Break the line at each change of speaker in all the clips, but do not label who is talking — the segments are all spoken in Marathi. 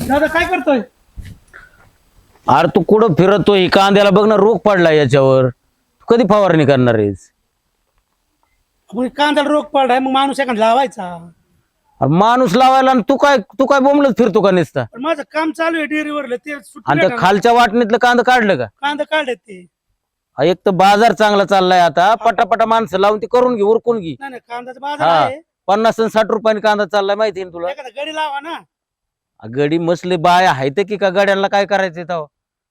दादा काय करतोय?
अरे तू कुठं फिरतोय? कांद्याला बघ ना, रोग पडला याच्यावर. कधी फवारणी करणार आहेस?
मग कांद्याला रोग पडलाय, मग माणूस एखादा लावायचा.
अरे माणूस लावायला आणि तू काय बोंबलत फिरतो का नुसता?
पण माझं काम चालू आहे डेअरीवरलं, ते सुट्टी
आणि त्या
भेटणार.
खालच्या वाटणीतलं कांदा काढलं का?
कांदा काढले ते.
हा, एक तर बाजार चांगला चाललाय आता. पटापटा माणसं लावून ते करून घे, उरकून घे.
नाही कांद्याचा बाजार
हा,
आहे.
50 आणि 60 रुपयाने कांदा चाललाय, माहिती ना तुला?
एखादा गडी लावा ना.
गडी मसले बाय आहेत की का गड्यांना काय करायचंय तेव्हा?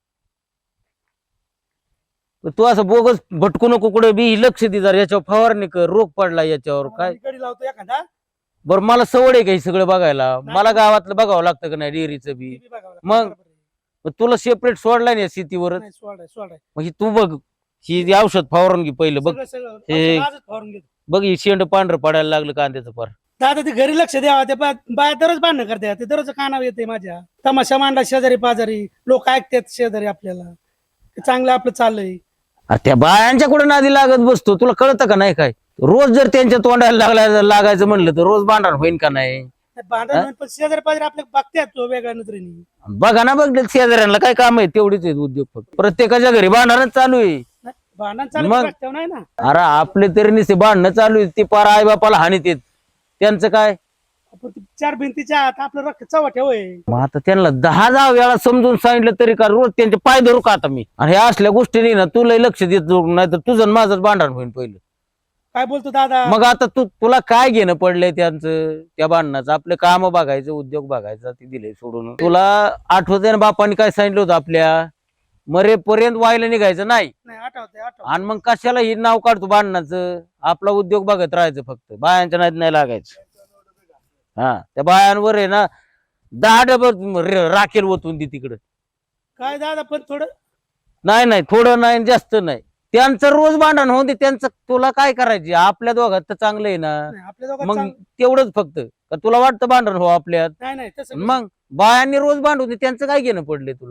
तू असं बोगस भटकू नको कुठे बी, लक्ष दे जरा, याच्यावर फवारणी कर. रोग पडला याच्यावर काय?
गडी लावतो एखादा.
बरं, मला सवड आहे का हे सगळं बघायला? मला गावातलं बघावं लागतं का नाही? डेअरीचं बी.
ते बी बघावं लागतं.
मग?
बरोबर आहे.
मग तुला सेपरेट सोडलाय ना शेतीवर.
नाही, सोडाय.
मग ही तू बघ, ही औषध फवारून घे पहिलं. बघ
सगळं
हे-
आजच फवारून घेतो.
बघ, ही शेंड पांढरं पडायला लागलं कांद्याचं पार.
दादा ते घरी लक्ष द्यावा. ते बाया दररोज भांडणं करते. ते दररोज कानावर येते माझ्या. तमाशा मांडला शेजारी पाजारी, लोक ऐकतात शेजारी आपल्याला. ते चांगलं आपलं चाललंय.
त्या बायांच्या कुठे नादी लागत बसतो? तुला कळतं का नाही काय? रोज जर त्यांच्या तोंडाला लागायचं म्हणलं तर रोज भांडण होईन का नाही?
भांडण पण शेजारी पाजारी आपल्या बघतात तो वेगळ्या नजरेने.
बघा ना, बघ शेजाऱ्यांना काय काम आहे? तेवढीच आहेत उद्योग. फक्त प्रत्येकाच्या घरी भांडणच चालू आहे.
भांडण चालू
मग?
नाही ना.
अरे आपले तरी नुसते भांडणं चालू आहेत. ती पार आई बापाला हानीत येत. त्यांचं काय?
आपण ते चार भिंतीच्या आत आपलं रक्त चव्हाट्या होय.
मग आता त्यांना 10 वेळा समजून सांगितलं तरी का रोज त्यांचे पाय धरू का आता मी? आणि हे असल्या गोष्टी ना तुला लक्ष देत नाही तर तुझं माझं भांडण होईल पहिलं.
काय बोलतो दादा?
मग आता तुला काय घेणं पडलंय त्यांचं त्या भांडणाचं? आपले काम बघायचं, उद्योग बघायचा, ते दिले सोडून. तुला आठवते ना बापाने काय सांगितलं होतं? आपल्या मरेपर्यंत व्हायला निघायचं नाही.
आठवते.
आणि मग कशाला ही नाव काढतो भांडणाचं? आपला उद्योग बघत राहायचं, फक्त बायांच्या नाद नाही लागायचं. हा, त्या बायांवर आहे ना 10 डबल राखेल ओतून दे तिकडं.
काय दादा पण थोडं
नाही, थोडं नाही, जास्त नाही. त्यांचं रोज भांडण होऊन दे. त्यांचं तुला काय करायचे? आपल्या दोघात तर चांगलं आहे ना.
आपल्या दोघांत
मग तेवढंच फक्त का तुला वाटतं भांडण हो आपल्यात?
नाही तसं
मग बायांनी रोज भांडून दे. त्यांचं काय घेणं पडलंय तुला?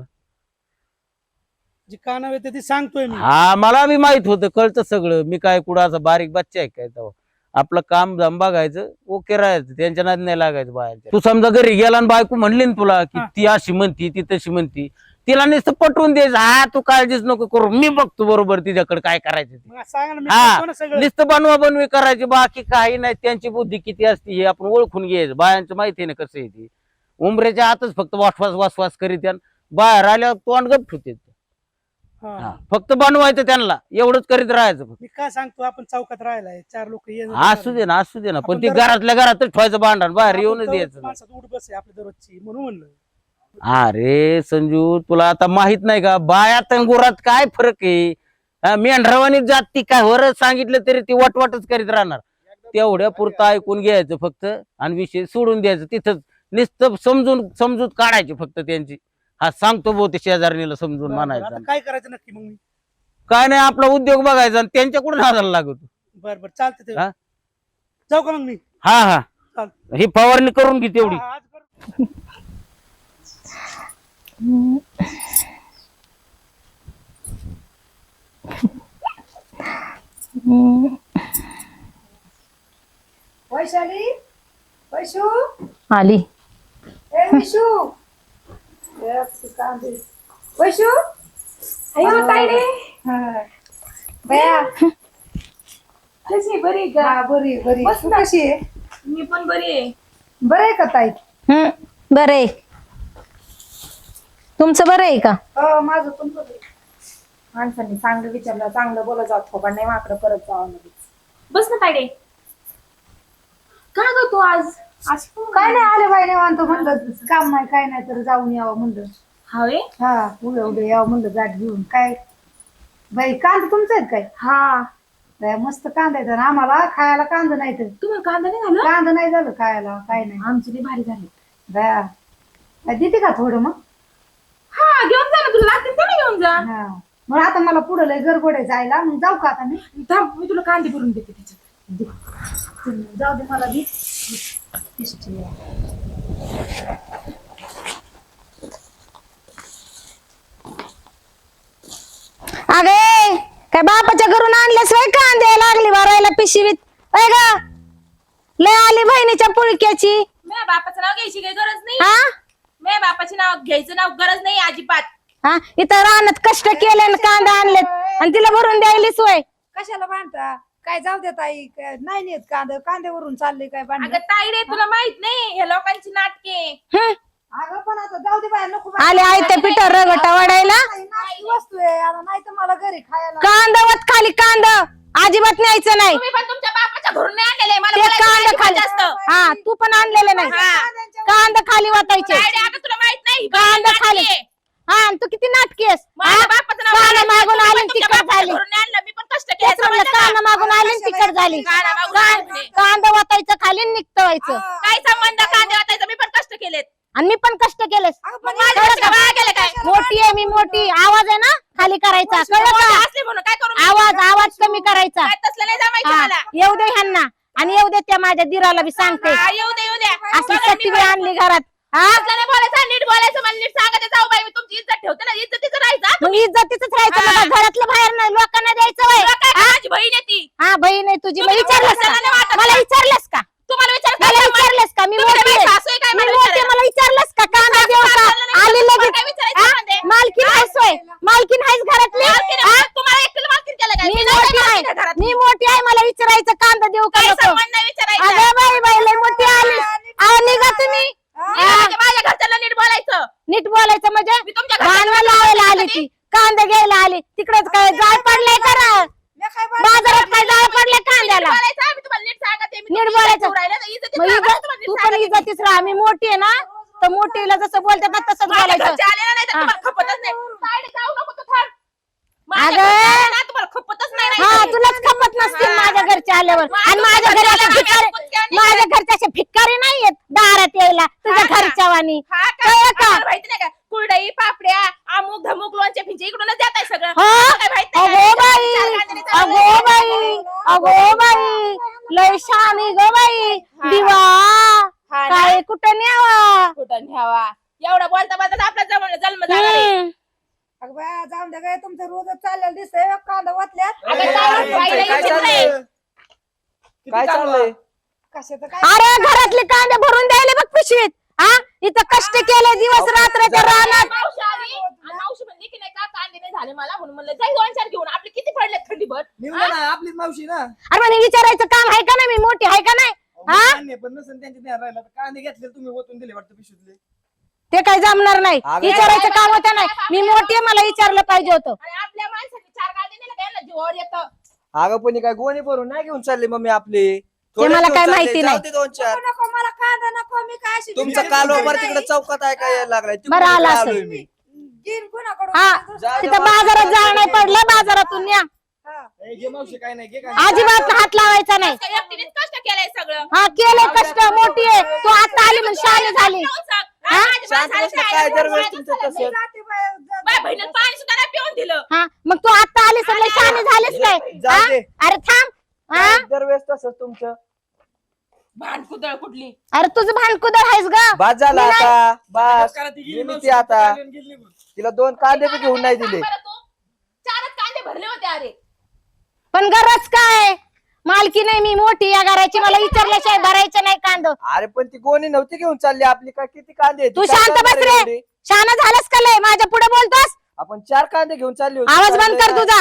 जे कानावर येते ते सांगतोय मी.
हा, मला बी माहित होतं, कळतं सगळं. मी काय कुठं असं बारीक बच्चा आहे काय? तेव्हा आपलं काम जम बघायचं, ओके राहायचं, त्यांच्या नादी नाही लागायचं बायांच्या. तू समजा घरी गेला आणि बायको म्हणली ना तुला की ती अशी म्हणती, ती तशी म्हणती, तिला नुसतं पटवून द्यायचं. हा, तू काळजीच नको करू, मी बघतो बरोबर तिच्याकडे काय करायचं ते.
मग सांगा ना, मी
हा,
करतो ना सगळं.
नुसतं बनवा करायची, बाकी काही नाही. त्यांची बुद्धी किती असते हे आपण ओळखून घ्यायचं. बायांचं माहिती आहे ना कसं आहे ते. उमऱ्याच्या आतच फक्त वासवास करीत, बाहेर आल्यावर तोंड गप ठेवते.
हा.
फक्त बनवायचं त्यांना, एवढंच करीत राहायचं.
मी काय सांगतो, आपण चौकात राहिलाय, 4 लोक
असू दे ना. पण
आपण
ती घरातल्या घरातच ठेवायचं भांडण, बाहेर येऊनच द्यायचं.
माणसात उठ बस आहे आपल्या दररोजची, म्हणून म्हणलं.
अरे संजू, तुला आता माहित नाही का बायात आणि गुरात काय फरक आहे? मेंढरावानी जात ती काय वर सांगितलं तरी ती वटवटच करीत राहणार. तेवढ्या पुरतं ऐकून घ्यायचं फक्त आणि विषय सोडून द्यायचं. तिथंच नुसतं समजूत काढायची फक्त त्यांची. हा, सांगतो बहुते शेजारणीला समजून म्हणायचं.
आता काय करायचं नक्की मग मी?
काय नाही, आपला उद्योग बघायचा आणि त्यांच्याकडून हाताला लागतो.
बरं चालते.
हा?
जाऊ का मग मी?
हा,
चालतं.
ही फवारणी करून घे तेवढी.
आज करू.
वैशाली, वैशू,
आली.
ए वैशू, वैशू, अयो ताईडे, बया, कशी बरी का? बरी तू कशी आहे?
मी पण बरी आहे.
बरं आहे का ताई?
बरं आहे. तुमचं बरं आहे का?
हो, माझं पण बरं आहे. माणसांनी चांगलं विचारलं, चांगलं बोलत जात हो, पण नाही माकडं करत जावं लगेच.
बस ना तायडे. का ग तू आज
काय नाही, आले बाई निवांत, म्हणलं काम नाही काय नाही तर जाऊन यावं म्हणलं.
हवे?
हा, उद्या यावं म्हणलं गाठ घेऊन. काय बाई, कांदा तुमचा आहेत काय?
हा,
बाया, मस्त कांदा आहेत. आम्हाला खायला कांदा नाही तर
तुम्हाला कांदा नाही झालं?
कांदा नाही झालं खायला, काय नाही.
आमची लई भारी झाली.
बाया, देते का थोडं मग?
हा, घेऊन जा ना, तुला लागतील तर घेऊन जा.
हा, मग आता मला पुढं लय गडबड आहे जायला, मग जाऊ का आता मी?
थांब, मी तुला कांदे भरून देते त्याच्यात.
जाऊ दे मला बी.
अगे, काय बापाच्या घरून आणल्यास वय कांदे लागली भरायला पिशवीत? अय ग, लय आली बहिणीच्या पुळक्याची.
माझ्या बापाचं नाव घ्यायची काही गरज नाही.
हा,
माझ्या बापाचे नाव घ्यायचं नाव गरज नाही अजिबात.
हा इथं रानात कष्ट केले आणि कांदा आणलेत आणि तिला भरून द्यायलीच होय.
कशाला भांडता काय जाऊ दे ताई नाही नेत कांद्यावरून चालले काय भांडण
अगं ताई रे तुला माहित नाही हे लोकांची नाटके.
हं.
अगं पण आता जाऊ दे बाहेर नको
आले आई त्या पिठा रगटा वाढायला
वस्तू आहे आता नाही तर मला घरी खायला
कांदावत खाली कांदा अजिबात न्यायचं नाही.
तुम्ही पण तुमच्या बापाच्या घरून नाही आणलेले मला
ते
बोलायचं
कांदा
नाही
खाली
जास्त.
हा तू पण आणलेलं नाही. कांदा खाली वाटायचे
ताई रे, अगं तुला माहित नाही
कांदा
नाटके.
खाली हा आणि तू किती नाटकी आहेस.
माझ्या बापाचं नाव
कांदा
घ्यायचं,
मागून
तुम्ही
आली
पण तुमच्या
तिखट
बापाच्या
झाली.
घरून नाही आणलं, मी पण कष्ट
तेच
केलं
म्हणलं
समजलं
कांदा
का?
मागून आली आणि तिखट झाली.
कांदा मागून आले.
कांदा वाटायचं खाली आणि निघतं व्हायचं.
काय संबंध कांदे वाटायचं, मी पण कष्ट केलेत.
आणि मी पण कष्ट केलेस.
मग माझ्या घरच्या वाया गेलं काय?
मोठी आहे मी मोठी आवाज आहे ना खाली करायचा कळलं
मोठे
का.
असले म्हणून काय करू मी?
आवाज कमी करायचा.
काय तसलं नाही जमायचं
हा,
मला.
येऊ दे ह्यांना आणि येऊ दे त्या माझ्या दिराला बी सांगते.
हा, येऊ दे येऊ दे.
असली
बघा, मी
सट्टी बी आणली घरात. हा
तसलं नाही बोलायचं, नीट बोलायचं, मला नीट सांगायचं. जाऊ बाई मी तुमची इज्जत ठेवते ना, इज्जतीचं राहायचं हा.
मग इज्जतीच राहायचं
हा.
मला घरातलं बाहेर नाही लोकांना द्यायचं वय.
तुला काय काय माझी बहीण आहे ती.
हा बहीण आहे तुझी. मग
तुम्ही
विचारलंस
बोलायला नाही
का
वाटत
मला
का?
विचारलंस का
तुम्हाला विचार
मला विचारलंस का मी मोठी आहे.
सासू आहे काय
मी
मला
मोठी आहे,
विचारायला?
मला विचारलंस का कांदा देऊ का
सासूला नाही
आली
विचारलं,
लगेच.
काय विचारायचं
हा?
मध्ये?
मालकीन आहेस होय मालकीन आहेस घरातली.
मालकीण
हा?
आहे, तुम्हाला एकटीला मालकीण केलं काय?
मी
मी नाही
मोठी आहे
मालकीण आहे घरात.
मी मोठी आहे मला विचारायचं कांदा देऊ का
काय
नको.
संबंध नाही विचारायचा.
अगं बाई बाई लय मोठी आली अहो निघा तुम्ही.
मी म्हणजे माझ्या घरच्यांना नीट बोलायचं.
नीट बोलायचं म्हणजे
मी तुमच्या घरच्यांना
भांडवल लावायला आली ती कांदा घ्यायला आली तिकडेच काय जाळ पडलाय करा
मी काय
बाजारात काय जाळ पडलाय कांद्याला.
नीट बोलायचं, मी तुम्हाला नीट सांगते. मी
नीट
तुमची
बोलायचं.
इज्जत ठेवू राहिले ना, इज्जतीत
मग
राहा,
इज्जत
तुम्हाला नीट
तू पण
सांगते.
इज्जतीच राहा मी मोठी आहे ना तर मोठीला जसं बोलतात ना तसंच
माझ्या
बोलायचं.
घरचे आले ना, नाही तर
हा.
तुम्हाला खपतच नाही. साईड जाऊ नको तू थांब. माझ्या
अगं.
घरचे आले ना, तुम्हाला खपतच नाही
हा
राहिलं.
तुलाच खपत नसतील
हा.
माझ्या घरचे आल्यावर
मग
आणि
तुमच्या
माझ्या घरी
घरचे
असे
आल्यावर
भिकारी
आम्ही कुठच्या नाही
माझ्या घरचे असे भिकारी नाहीयेत दारात यायला तुझ्या
हा का?
घरच्या वाणी.
हा का?
कळलं का?
आम्हाला माहिती नाही का कुरडई पापड्या अमुक धमुक लोणचे फिंचे इकडूनच जात आहे सगळं.
हा?
आम्हाला काय माहित नाही
अगो
का?
बाई
चार कांदे चालवले.
अगो बाई अगो बाई लय शानी ग बाई
हा.
दिवा
हा ना?
काय कुठं न्यावा.
कुठं न्यावा एवढं बोलता बोलता आपला जन्म झाला रे.
हम्म.
अगं बाया जाऊन दे काय तुमचं रोजच चाललेलं दिसतंय कांदा वाटल्यात
अगं,
अरे,
काय
अरे,
बाईला
काय
विचित्र
चाललंय?
आहे.
काय चाललंय?
कशाचं काय
अरे घरातले कांदे भरून द्यायला बघ पिशवीत. हा इथं कष्ट केले दिवस रात्राच्या रानात.
मावशी आली आणि मावशी म्हणली की नाही का कांदे नाही झाले मला म्हणून म्हणलं जाई 2-4 घेऊन आपले किती पडले थंडीभर.
निघलं ना आपलीच मावशी ना
अरे म्हणे विचारायचं काम आहे का नाही मी मोठी आहे का नाही. हा?
मान्य, पण नसेल त्यांच्या ध्यान राहिला तर कांदे घेतले तुम्ही ओतून दिले वाटतं पिशवीतले.
ते काय जमणार नाही
अगं,
विचारायचं काम होतं नाही मी मोठी आहे मला विचारलं पाहिजे होतं.
आणि आपल्या माणसाने 4 कांदे नेले काय ना जीवावर येतं.
अगं पण हे काय गोणी भरून नाही घेऊन चालले मम्मी आपले
ते मला काय माहिती नाही.
2-4
नको मला कांदा नको मी काय अशी
तुमचा
भिकारी
कालवा
नाही.
तिकडे चौकात आहे काय यायला लागलाय
बरं आलं
तिकडून
असेल.
आलोय मी.
घेईन कुणाकडून
हा
जा,
तिथं बाजारात जाळ नाही पडलं बाजारातून या
हा.
ए, घे मावशी काय नाही घे काय
अजिबात हात लावायचा नाही.
त्या एकटीनेच कष्ट केलंय सगळं.
हा केलंय कष्ट मोठी आहे तू आता आली म्हणून शाळेत झाली.
जाऊन सांग.
हा?
माझ्या
शांत
माणसाला
बसलं
शाळेला
काय
जाऊन
दरवेळेस
जायचं
तुमचं
झालं.
तसं
जाते बाया, जा-
माझ्या बहिणीला पाणी सुद्धा नाही पिऊन दिलं.
हा मग तू आता आलीस म्हणलं शाळेत झालीस काय.
जाऊ
हा?
दे.
अरे थांब हा
दरवेळेस तसंच तुमचं
भांडकुदळ कुठली.
अरे तुझं भांडकुदळ आहेस ग.
बाद झाला
मी नाही-
आता बस
करा ती गेली
गेली
मावशी,
ती आता
गेली निघून.
तिला 2 कांदे बी घेऊन नाही दिले.
बरं तू 4च कांदे भरले होते अरे.
पण गरज काय मालकी नाही मी मोठी या घराची मला विचारल्याशिवाय भरायचं नाही कांद.
अरे पण ती गोणी नव्हती घेऊन चालली आपली काय किती कांदे आहेत?
तू
ती काय
शांत
करणार
बस
आहे
रे.
एवढी?
शाना झालंस का लय माझ्या पुढे बोलतोस.
आपण 4 कांदे घेऊन चालली होती.
आवाज बंद कर तुझा.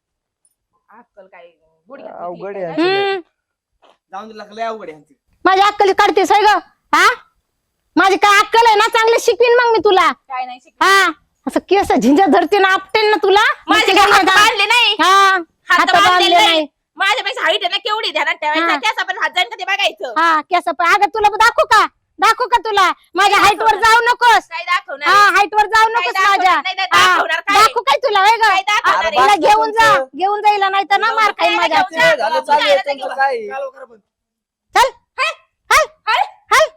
अक्कल काय गुडघ्यात
अवघड
निघली
आहे.
काय?
हम्म.
जाऊन दिला लय अवघड आहे यांची.
माझी अक्कल काढतेस होय ग. हा माझी काय अक्कल आहे ना चांगलं शिकवीन मग मी तुला.
काय नाही शिक.
हा असं केस झिंजा धरते ना आपटेन ना तुला.
माझे काय हात बांधले नाही.
हा
हात
हात
बांधले
बांधले
नाही.
नाही.
माझ्यापेक्षा हाईट आहे ना केवढी ध्यानात
हा.
ठेवायचा त्यास आपण हात जाईन का ते बघायचं.
हा केस पण अगं तुला दाखवू का तुला माझ्या हाईट वर जाऊ नकोस.
काय दाखवणार
हा
आहे?
हाईट वर जाऊ नकोस
दाखवणार
माझ्या.
नाही, नाही,
हा,
दाखवणार काय?
दाखवू काय तुला होय ग.
काय दाखवणार
अरे
आहे?
तिला
बाकी
घेऊन जा
तुमचं-
घेऊन जाईल नाही तर ना मार खाईल
काय
माझ्या.
घेऊन जा?
झालं चालू आहे
जायला
तुमचं
घेऊन.
काय
कालवा करा बंद.
चल हल हल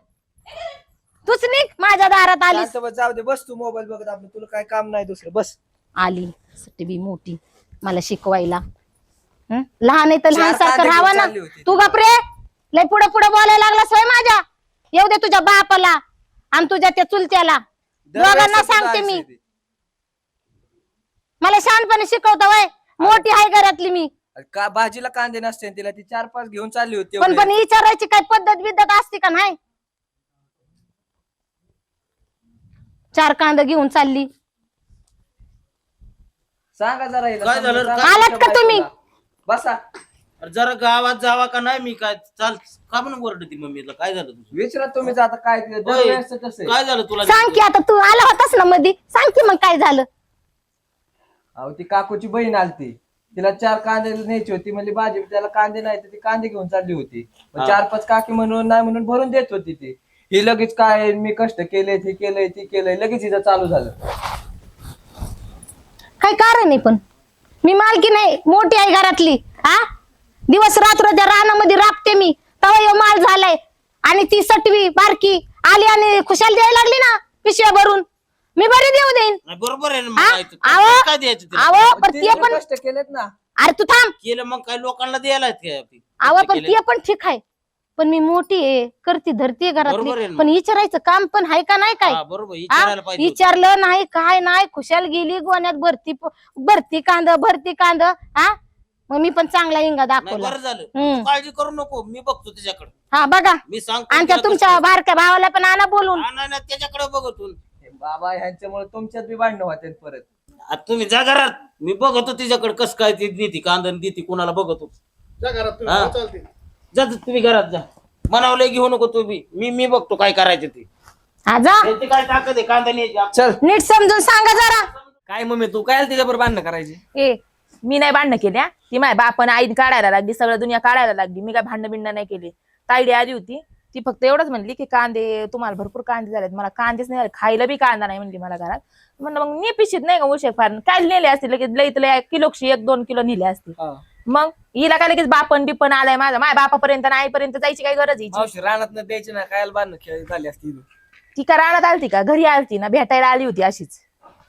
तूच निघ माझ्या दारात आलीस.
शांत बस, जाऊ दे बस तू मोबाईल बघत आपलं तुला काय काम नाही दुसरं बस.
आली टी मोठी मला शिकवायला. हं? लहान आहे तर लहान
4
सारखं
कांदे
राहावा
घेऊन
ना.
चालली होती.
तू गपरे लय पुढे बोलायला लागला सोय माझ्या. येऊ दे तुझ्या बापाला आणि तुझ्या त्या चुलत्याला
दरवेळेस
दोघांना
तसंच
सांगते मी.
आहे ते.
मला शहाणपणे शिकवता वय मोठी आहे घरातली मी.
का भाजीला कांदे नसते तिला ती 4-5 घेऊन चालली होती
पण
एवढे.
विचारायची काय पद्धत बिद्धत असते का नाही. 4 कांदा घेऊन चालली.
सांगा जरा हिला,
काय झालं?
सांगा
आलात
तुमच्या
का तुम्ही?
बायकोला. बसा
अरे जरा गावात जावा का नाही मी काय चाल का म्हणून ओरडती मम्मीला काय झालं तुझं?
विचारा तुम्ही आता काय ते दरवेळेसचं कसं आहे?
काय झालं तुला?
सांग की आता तू आला होतास ना मध्ये, सांग की मग काय झालं.
अहो ती काकूची बहीण आलती, तिला 4 कांदे न्यायची होती, म्हणजे भाजी त्याला कांदे नाही तर ती कांदे घेऊन चालली होती. मग 4-5 काकी म्हणून नाही म्हणून भरून देत होती ती. ही लगेच काय मी कष्ट केले, ते केलंय, ती केलंय, लगेच हिचं चालू झालं.
काय कारण आहे पण? मी मालकी नाही, मोठी आहे घरातली. हा, दिवस रात्र त्या रानामध्ये राबते मी, तवा यो माल झालाय. आणि ती सटवी बारकी आली आणि खुशाल द्यायला लागली ना पिशव्या भरून. मी बरी देऊ देईन.
नाही, बरोबर आहे ना
हा?
मग काय ते-
आहो,
काय द्यायचं तिला?
आहो पण
तिने
ते पण,
कष्ट केलेत ना.
अरे तू थांब.
केलं मग काय लोकांना द्यायला आहेत काय आपली?
आवा पण
केलं.
ते पण ठीक आहे, पण मी मोठी आहे, करती धरती
बरोबर आहे
घरातली.
ना.
पण विचारायचं काम पण आहे का नाही काय?
हा, बरोबर
हा?
विचारायला पाहिजे होतं.
विचारलं नाही काय नाही, खुशाल गेली गोण्यात भरती कांद. हा, मग मी पण चांगला इंगा
नाही,
दाखवला.
बरं झालं.
हम्म.
तू काळजी करू नको, मी बघतो त्याच्याकडे.
हा बघा,
मी सांगतो
आणि त्या
तिला
तुमच्या
कसं-
बारक्या भावाला पण आणा बोलून.
हा, नाही, नाही, त्याच्याकडे बघतो.
हे बाबा ह्यांच्यामुळे तुमच्यात बी भांडणं होते परत.
आता तुम्ही जा घरात, मी बघतो तिच्याकडे कसं काय ती देती कांदा देती कुणाला बघतो.
जा घरात तुम्ही,
हा.
हो, चालते.
जा तुम्ही घरात जा, मनावलंय घेऊ नको तुम्ही. मी बघतो काय करायचं ते.
हा जा,
त्यांची काय ताकद आहे कांदा न्यायची.
चल
नीट समजून सांगा जरा.
काय मम्मी तू काय तिच्याबरोबर भांडणं करायची?
ए मी नाही भांडणं केल्या, ती माझ्या बापानं आईन काढायला लागली, सगळं दुनिया काढायला लागली. मी काय भांडणं बिंडणं नाही केली. तायडी आली होती, ती फक्त एवढंच म्हणली की कांदे तुम्हाला भरपूर कांदे झालेत, मला कांदेच नाही झाले, खायला बी कांदा नाही म्हणली मला घरात. म्हणलं मग ने पिशीत नाही का उशे फार काय नेले असतील, लगेच लई तर 1-2 किलो नेले असतील.
हा.
मग हिला काय लगेच बापन बिपन आलाय माझ्या बापापर्यंत आणि आईपर्यंत जायची काही गरज आहे?
मावशी रानात न द्यायची ना, काय भांडणं खेळ झाली असती.
ती का रानात आलती का घरी आलती ना, भेटायला आली होती अशीच.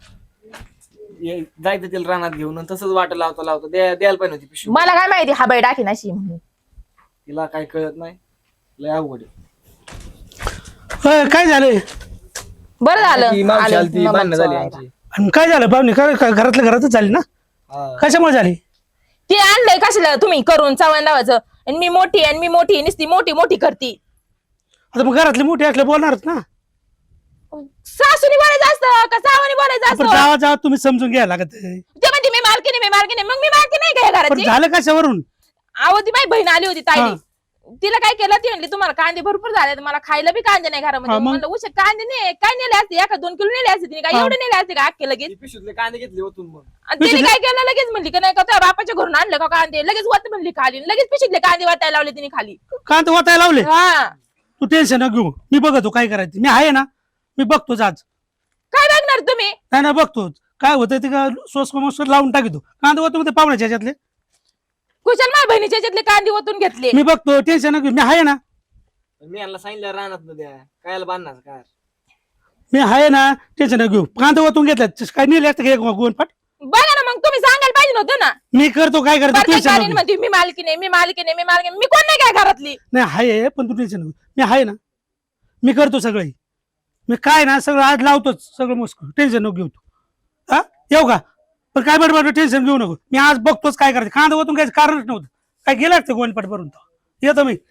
जायचं तिला रानात घेऊन आणि तसंच वाट लावता द्यायला पाहिजे होती पिशवी.
मला काय माहिती हा बाई टाकीन अशी म्हणून.
तिला काय कळत नाही, लय अवघड आहे.
होय, काय झालंय?
बरं झालं
ती मावशी
आलं
आलती,
मग
भांडणं झाली
चोरायला.
आमची.
आणि काय झालं पाहुणे? घरातल्या घरातच झाली ना?
हा.
कशामुळे झाली?
ते आणलंय कशाला तुम्ही करून चवण लावायचं, आणि मी मोठी नुसती मोठी करती.
आता मग घरातले मोठे असले बोलणारच ना.
सासूनी बोलायचं असतं का सावानी बोलायचं
पण
असतं?
जावा जावा तुम्ही समजून घ्यायला लागत आहे.
ते म्हणते मी मालकीने मग मी मालकी नाही का या
पण
घराची?
झालं कशावरून?
अहो ती माझी बहीण आली होती ताईली,
हा.
तिला काय केलं ती म्हणली तुम्हाला कांदे भरपूर झाले, मला खायला बी कांदे नाही घरामध्ये.
हा, मग?
म्हणलं उशा कांदे नाही काय नेले असते, 1-2 किलो नेले असते तिने, काय
हा.
एवढे नेले असते का अख्खे लगेच?
ती पिशवीतले कांदे घेतले होतून मग.
आणि तिने काय केलं लगेच म्हणली की नाही का तुझ्या बापाच्या घरून आणलं का कांदे, लगेच वत म्हणली खाली, लगेच पिशीतले कांदे वाटायला लावले तिने खाली.
कांदा वाटायला लावले?
हा
तू टेन्शन न घेऊ, मी बघतो काय करायचं. मी आहे ना, मी बघतोच आज.
काय बघणार तुम्ही?
नाही ना, बघतोच काय होतं ते का सोस मस्त लावून टाकतो. कांदा होतो ते पाहुण्याच्या ह्याच्यातले.
कुशल माझ्या बहिणीच्या ह्याच्यातले कांदे ओतून घेतले.
मी बघतो, टेन्शन न घेऊ, मी आहे ना.
मी यांना सांगितलं रानात न द्या, कायला बांधणार काय.
मी आहे ना, टेन्शन न घेऊ. कांदा ओतून घेतला काय नेले असते का एक गोनपाट?
बघा ना, मग तुम्ही सांगायला पाहिजे नव्हतं ना.
मी करतो काय करायचं,
प्रत्येक
टेन्शन
गाडीने
नको.
म्हणते मी मालकी नाही मी कोण नाही काय घरातली.
नाही आहे, पण तू टेन्शन नको. मी आहे ना, मी करतो सगळं. मी काय ना सगळं आज लावतोच सगळं मस्त. टेन्शन नको घेऊ तू. हा, येऊ का? पण काय बरोबर टेन्शन घेऊ नको. मी आज बघतोच काय करायचं. कांदा ओतून घ्यायचं कारणच नव्हतं. काय गेलं असतं गोनपाट भरून. येतो मी.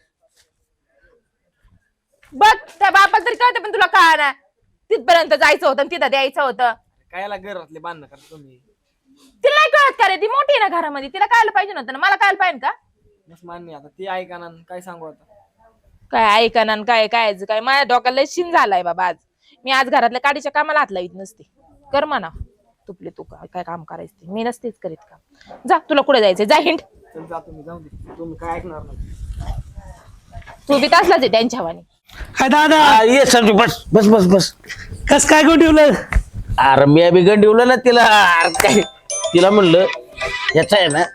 बघ त्या बापाला तरी कळतं, पण तुला कळा ना तिथपर्यंत जायचं होतं आणि तिथं द्यायचं होतं.
कायला घरातले बांधणं करा तुम्ही.
तिला नाही कळत का रे, ती मोठी आहे ना घरामध्ये, तिला कळायला पाहिजे नव्हतं ना, मला कळायला पाहिजे का?
बस मान्य, आता ती ऐका ना, काय सांगू आता.
काय ऐका ना काय माझ्या डोक्याला शिन झालाय बाबा आज. मी आज घरातल्या काडीच्या कामाला हात लावित नसते. कर म्हणा तुपले तू काय काम करायचं ते, मी नसतेच करीत काम. जा तुला कुठे जायचंय, जा हिंड.
चल जा तुम्ही, जाऊ दे, तुम्ही काय ऐकणार नाही.
तू बी तसलाच आहे त्यांच्या वाणी.
काय दादा,
ये संजू, बस बस बस बस.
कस काय गोन ठेवलं?
अरे मी बी गंडीवलं ना तिला. अरे काय तिला म्हणलं याचा आहे ना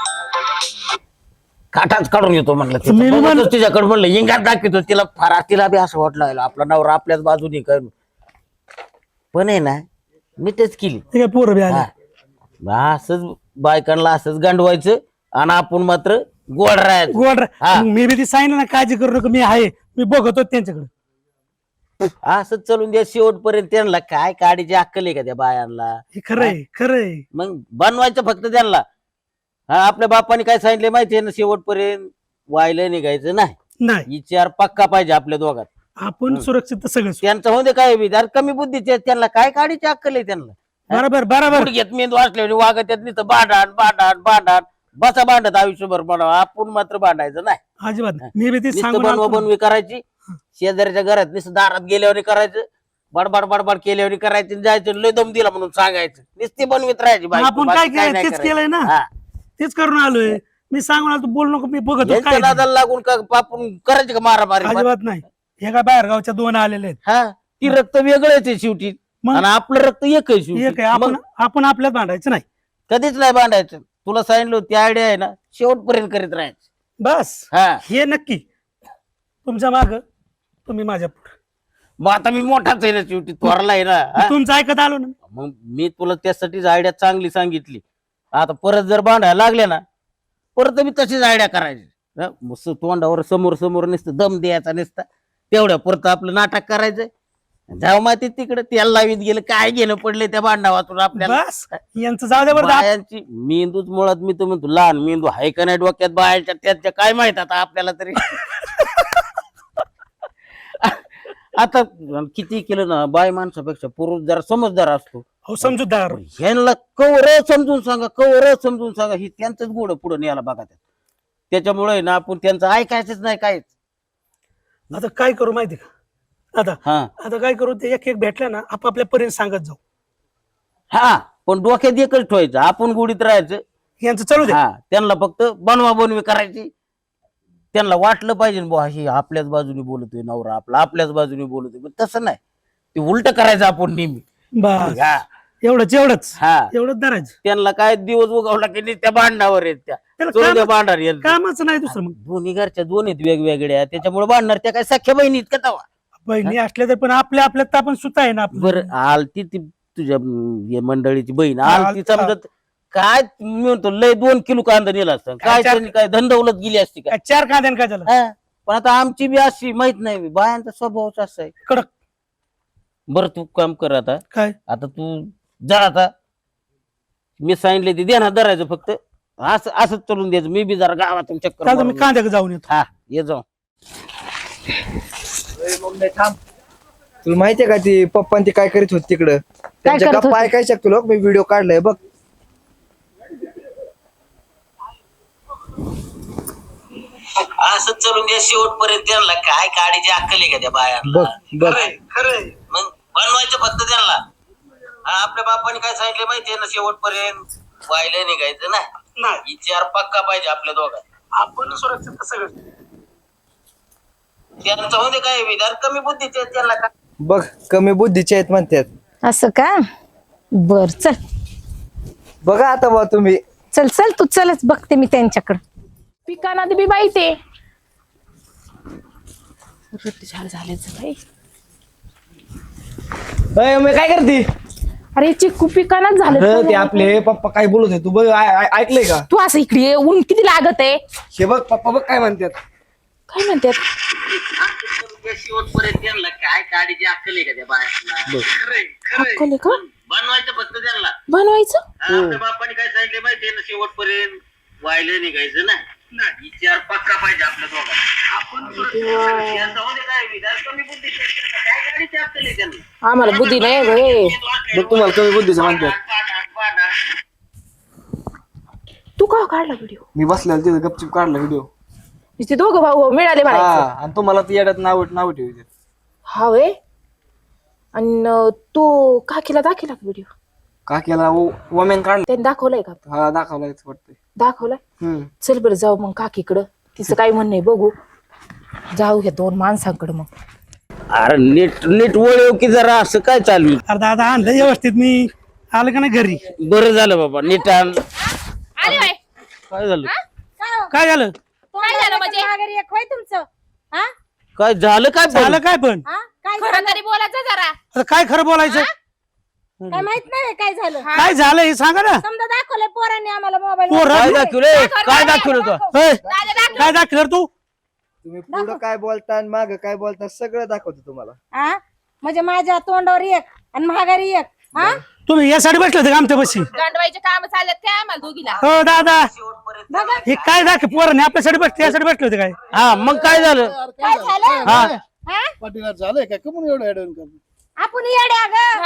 काठाच काढून येतो म्हणलं.
मी बी म्हणलं-
तिच्याकडे म्हणलं इंगात दाखवतो तिला. फार तिला बी असं वाटलं आपला नवरा आपल्याच बाजूने काय. पण आहे ना मी तेच केली.
ते काय पोरं बी आले.
हा, असंच बायकांना असंच गांडवायचं आणि आपण मात्र गोड राहायचं.
गोड
हा.
मी बी ती सांगितलं ना, काळजी करू नका, मी आहे. मी बघतो त्यांच्याकडे.
असंच चलून द्या शेवटपर्यंत. त्यांना काय काडीची अक्कल आहे का त्या बायांना?
हे खरंय खरंय.
मग बनवायचं फक्त त्यांना. हा, आपल्या बापाने काय सांगितलं माहितीये ना, शेवटपर्यंत वायला निघायचं नाही.
नाही
विचार पक्का पाहिजे आपल्या दोघात.
आपण सुरक्षित तर सगळं
त्यांचं होते काय बी अरे कमी बुद्धीचे आहेत, त्यांना काय काढीची अक्कल आहे त्यांना.
बरोबर बरोबर
घेत मेंदू असल्याने वागत येत नाही तर भांडण भांडण भांडण बसा भांडत आयुष्यभर म्हणावं, आपण मात्र भांडायचं नाही.
अजिबात नाही. मी बी ते
नुसतं
सांगून
बनवा
आलतो.
बनवी करायची, शेजाऱ्याच्या घरात नुसतं दारात गेल्यावर करायचं, बडबड बडबड केल्यावर करायचं, जायचं लय दम दिला म्हणून सांगायचं, नुसती बनवीत राहायची बायको,
आपण
बाकी
काय
काय
केलं
नाही
तेच
करायचं.
केलंय ना,
हा.
तेच करून आलोय. मी सांगून आलो बोल नको, मी बघतो
यांच्या
काय ते.
नादाला लागून का आपण करायचं का मारामारी.
अजिबात नाही. हे काय बाहेर गावच्या 2 आलेले आहेत.
हा ती रक्त वेगळंच आहे शेवटी
मग?
आणि आपलं रक्त एक आहे शेवटी.
एक आहे, आपण
मग
आपण आपल्यात भांडायचं नाही
कधीच नाही भांडायचं. तुला सांगितलं ती आयडिया आहे ना, शेवटपर्यंत करीत राहायचं.
बस.
हा
हे नक्की तुमच्या माग, तुम्ही माझ्या पुढे.
मग आता मी मोठाच आहे ना शेवटी, थोरला आहे ना. हा?
तुमचं ऐकत आलो ना.
मग मी तुला त्यासाठीच आयडिया चांगली सांगितली. आता परत जर भांडायला लागले ना, परत मी तशीच आयडिया करायची. हा? मस्त तोंडावर समोर समोर नुसतं दम द्यायचा नुसता, तेवढ्या परत आपलं नाटक करायचं. जाऊ माती तिकडे तेल लावीत गेलं, काय घेणं पडले त्या भांडा वाचून आपल्याला.
बस यांचं जाऊ द्या बरं.
बायांची मेंदूच मुळात मी तर म्हणतो लहान मेंदू हाय का नाही डोक्यात बायांच्या, त्याच्या काय माहित आता आपल्याला तरी. आता किती केलं ना, बाय माणसापेक्षा पुरुष जरा समजदार असतो.
हो समजूतदार.
ह्यांना कवर समजून सांगा, कवर समजून सांगा, ही त्यांचंच गोड पुढे न्यायला बघा. त्याच्यामुळे ना आपण त्यांचं ऐकायचंच नाही काहीच.
आता काय करू माहिती का,
हा
आता काय करू, ते एक एक भेटल्या ना आपापल्या पर्यंत सांगत जाऊ.
हा पण डोक्यात एकच ठेवायचं, आपण गोडीत राहायचं.
यांचं चालू दे.
हा त्यांना फक्त बनवा बनवी करायची. त्यांना वाटलं पाहिजे बुवा हे आपल्याच बाजूने बोलतोय नवरा आपला, आपल्याच बाजूने बोलतोय, पण तसं नाही, ते उलट करायचं आपण नेहमी.
बस
हा
एवढंच
हा
एवढंच धरायचं.
त्यांना काय दिवस उगवला की नाही त्या भांडणावर आहेत त्या,
त्याला
चोरू द्या
कामच-
भांडार येत.
कामाचं नाही दुसरं. मग
दोन्ही घरच्या दोन आहेत वेगवेगळ्या, त्याच्यामुळे भांडणार त्या काय सख्या बहिणी का तवा.
बहिणी असल्या तर पण आपल्यात तर आपण सुद्धा आहे ना आपलं.
बरं आलती ती तुझ्या हे मंडळीची बहीण
हा,
आलती, समजत काय मी म्हणतो लय 2 किलो कांदा नेला असता, काय
काय
त्यांनी काय धंदवलत गेली असती का.
काय 4 कांद्यानं काय झालं.
हा, पण आता आमची बी अशी माहित नाही, बायांचा स्वभावच असा आहे.
कडक.
बरं तू काम कर आता,
काय
आता तू जा आता, मी सांगितले ते देणार धरायचं फक्त, असं असंच चलून द्यायचं. मी बी जरा गावातून चक्कर
आता मी
मारून
कांद्याकडे जाऊन येतो.
हा ये जाऊ.
तुला माहितीये का ती पप्पा ती काय करीत होती तिकडं, त्यांच्या
करत
गप्पा ऐकाय शकतो लोक. मी व्हिडिओ काढलाय बघ.
असंच चलून द्या शेवटपर्यंत. त्यांना काय काढीची अक्कल आहे का त्या बायांना.
बघ बघ
खरंय मग बनवायचं फक्त त्यांना. हा, आपल्या बापाने काय सांगितलं माहितीये ना, शेवटपर्यंत व्हायला निघायचं ना. विचार पक्का पाहिजे आपल्या दोघांना. आपण सुरक्षित सगळं त्यांचं होते काय विधान कमी बुद्धीचे आहेत, त्यांना का
बघ कमी बुद्धीचे आहेत म्हणतात.
असं का, बर चल
बघा आता बा तुम्ही.
चल चल तू चलच, बघते मी त्यांच्याकडं.
पिकाना बी बाई ते झालं झाल्याचं बाई.
मी काय करते
अरे चिक्कू पिकानाच
ते
झालं.
आपले पप्पा काय बोलत होते तू बघ, ऐकलंय का?
तू असं इकडे ये, ऊन किती लागत आहे.
हे बघ पप्पा बघ काय म्हणतात.
काय म्हणतात.
शेवटपर्यंत त्यांना काय काढीची अक्कल आहे का त्या बायांना.
अक्कल आहे का
बनवायचं फक्त त्यांना.
बनवायचं.
आपल्या बापाने काय सांगितलं माहितीये ना, शेवटपर्यंत व्हायला निघायचं ना. विचार पक्का पाहिजे आपल्या दोघांना. आपण यांचं होते काय विधान कमी बुद्धीचे आहेत, त्यांना काय काढीची अक्कल आहे त्यांना.
आम्हाला बुद्धी नाही रे.
बघ तुम्हाला कमी बुद्धीचं म्हणतात.
तू का काढला व्हिडिओ.
मी बसलेला तिथे गपचिप काढला व्हिडिओ.
ते दोघं भाऊ मिळाले
हा,
म्हणायचं.
आणि तुम्हाला ती येड्यात नाव ठेवते.
हा वे. आणि तू काकीला दाखिला व्हिडिओ.
का केला वमेन काढला.
त्यांनी दाखवलाय का.
हा दाखवलाय वाटतंय.
दाखवलाय. चल बरं जाऊ मग काकीकडं, तिचं काय म्हणणं आहे बघू. जाऊ ह्या 2 माणसांकडे मग.
अरे नीट नीट वळव की जरा, असं काय चालू आहे?
अरे दादा आणलं व्यवस्थित, मी आलं का नाही घरी.
बरं झालं बाबा नीट आण.
आली बाई.
काय झालं
काय झालं.
काय झालं म्हणजे.
माघारी एक होय तुमचं. हा
काय झालं काय
झालं काय पण.
हा काय
खरं
झालं?
तरी बोलायचं जरा.
आता काय खरं बोलायचं.
काय माहित नाही काय झालं.
काय झालं हे सांगा ना.
समजा दाखवलंय पोरांनी आम्हाला मोबाईल.
काय दाखवलं काय दाखवलं तू.
होय, काय दाखलं तू.
तुम्ही पुढं काय बोलता आणि माग काय बोलता सगळं दाखवतो तुम्हाला.
हा म्हणजे माझ्या तोंडावर एक आणि माघारी एक. हा
तुम्ही यासाठी बसले होते का आमच्या बशी.
गांडवायचे काम चालत काय आम्हाला दोघीला.
हो दादा,
बघा
हे काय दाखव पोराने आपल्यासाठी बसले, यासाठी बसले होते काय.
हा मग काय झालं.
काय झालं.
हा
हा?
पाटीला झालंय काय कमून एवढं ऍडवून करतो
आपण येडे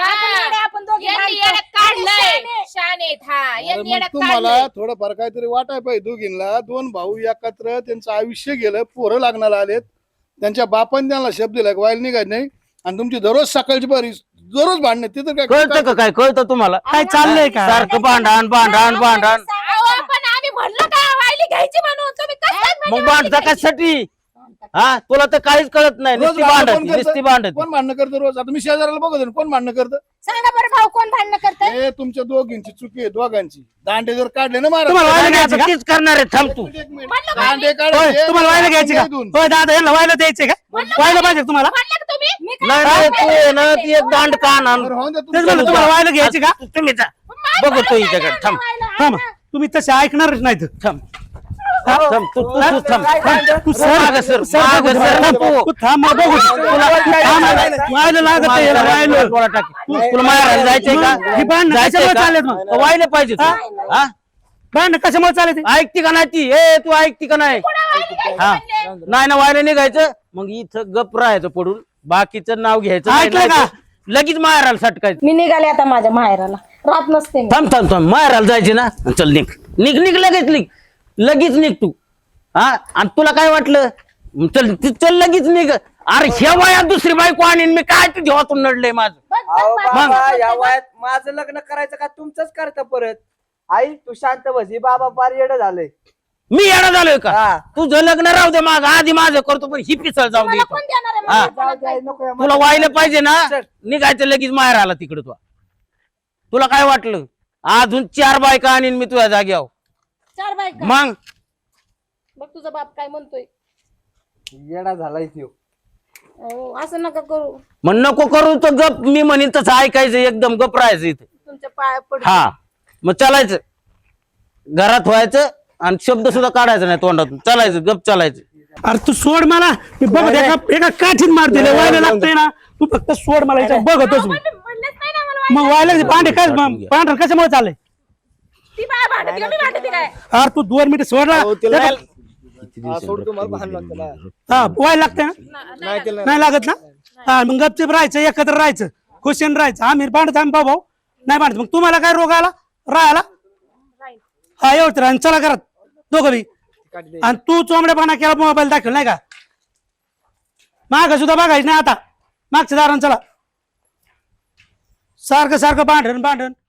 आपण दोघी
यांनी
बायको.
येड्यात काढलंय
शाने.
शानेत हा
अरे
यांनी
मग
येड्यात
तुम्हाला
काढलंय
थोडंफार काहीतरी वाटाय पाहिजे दोघींना. दोन भाऊ एकत्र त्यांचं आयुष्य गेलं, पोरं लागणार आलेत, त्यांच्या बापाने त्यांना शब्द दिला वाईल निघाय नाही, आणि तुमची दररोज सकाळची बारी दररोज भांडणे तिथं
कळतं का काय कळतं तुम्हाला
काय चाललंय का
सारखं भांडण भांडण भांडण
अहो, पण आम्ही म्हणलं का वायली घ्यायची म्हणून तुम्ही कसं
मग भांडता कशासाठी हा तुला तर काहीच कळत नाही नुसती भांडत नुसती भांडत
कोण भांडणं करतं रोज? आता मी शेजाऱ्याला बघत आहे, कोण भांडणं करतं?
सांगा बरं भाऊ कोण भांडणं करतंय
हे तुमच्या दोघींची चुकी आहे, दोघांची. दांडे जर काढले ना महाराज,
तुम्हाला व्हायला घ्यायचं का?
तीच करणार आहे थांब तू
एक मिनिट. दांडे
होय,
काढायचे,
तुम्हाला व्हायला घ्यायचे का?
इथून.
होय दादा यांना व्हायला द्यायचे का? व्हायला पाहिजे का तुम्हाला?
म्हणलं का तुम्ही
नाही नाही, तू आहे ना ती एक दांड का आण
बरं, होऊन द्या
तेच
तुमचं.
म्हणलं, तुम्हाला व्हायला घ्यायचे का?
तुम्ही जा बघतो हिच्याकडे थांब
थांब तुम्ही तसे ऐकणारच नाहीत.
थांब थांब तू तू तू थांब
तू सर
मागं सर,
सर,
मागं सर ना तू.
तू थांब मला बघू थांब, व्हायला लागत आहे, याला व्हायला.
तुला मारायला जायचंय
ही
का
भांडणं
जायचंय
कशामुळे
का?
चाललेत मग?
व्हायला पाहिजे तू. हा
भांडणं कशामुळे चालले ते?
ऐकती का नाही ती ए तू ऐकती का नाही हा नाही ना व्हायला निघायचं मग इथं गप राहायचं पडून बाकीचं नाव घ्यायचं नाही,
ऐकलं का?
नाही लगेच मारायला सटकायचं
मी निघाले आता माझ्या माहेराला राहत नसते मी.
थांब थांब थांब मारायला जायचे ना चल निघ निघ निघ लगेच निघ लगेच निघ तू हा आणि तुला काय वाटलं चल चल लगेच निघ अरे ह्या वयात दुसरी बायको आणीन मी काय ते जेव्हातून नडलंय माझं
अहो बाबा या वयात माझं लग्न करायचं का तुमचंच करता परत? आई तू शांत बस, ही बाबा फार येडं झालंय.
मी येणं झालोय का
हा.
तुझं लग्न राहू दे माग आधी माझं करतो पण ही पिसळ जाऊ दे
मला
इथं.
कोण देणार आहे
हा.
मला?
जाऊ द्या, नको या
तुला व्हायला पाहिजे ना
चल.
निघायचं लगेच माहेर आला तिकडे तुला काय वाटलं अजून 4 बायका आणीन मी तुझ्या जाग्यावर
4 बायका
मग
बघ तुझा बाप काय म्हणतोय.
येडा झालाय त्यो.
अहो, असं नका करू.
मग नको करू तर गप मी म्हणेन तसं ऐकायचं एकदम गप राहायचं इथे
तुमच्या पाया पड.
हा मग चालायचं घरात व्हायचं आणि शब्द सुद्धा काढायचा नाही तोंडातून चालायचं गप चालायचं
अरे तू सोड मला मी बघत एका काठीत मार दिले व्हायला लागतंय ना तू फक्त सोड मला याच्यात बघतोच मी.
म्हणलंच नाही ना मला
मग व्हायला भांडे काय भांडण कशामुळे चाललंय?
ती बाय भांडती का मी भांडते काय
अरे तू 2 मिनिटं सोडला
सोड तुम्हाला भांडण लागतं ना.
हा व्हायला लागतंय ना नाही लागत ना हा मग गपचिप राहायचं एकत्र राहायचं खुशीन राहायचं आम्ही भांडत आम्ही भाऊ नाही भांडत मग तुम्हाला काय रोग आला राहायला हा एवढं राहा चला घरात दोघं बी आणि तू चोंबड्यापणा केला मोबाईल दाखल नाही का माग सुद्धा बघायचं नाही आता मागच्या दारान चला सारखं सारखं भांडण भांडण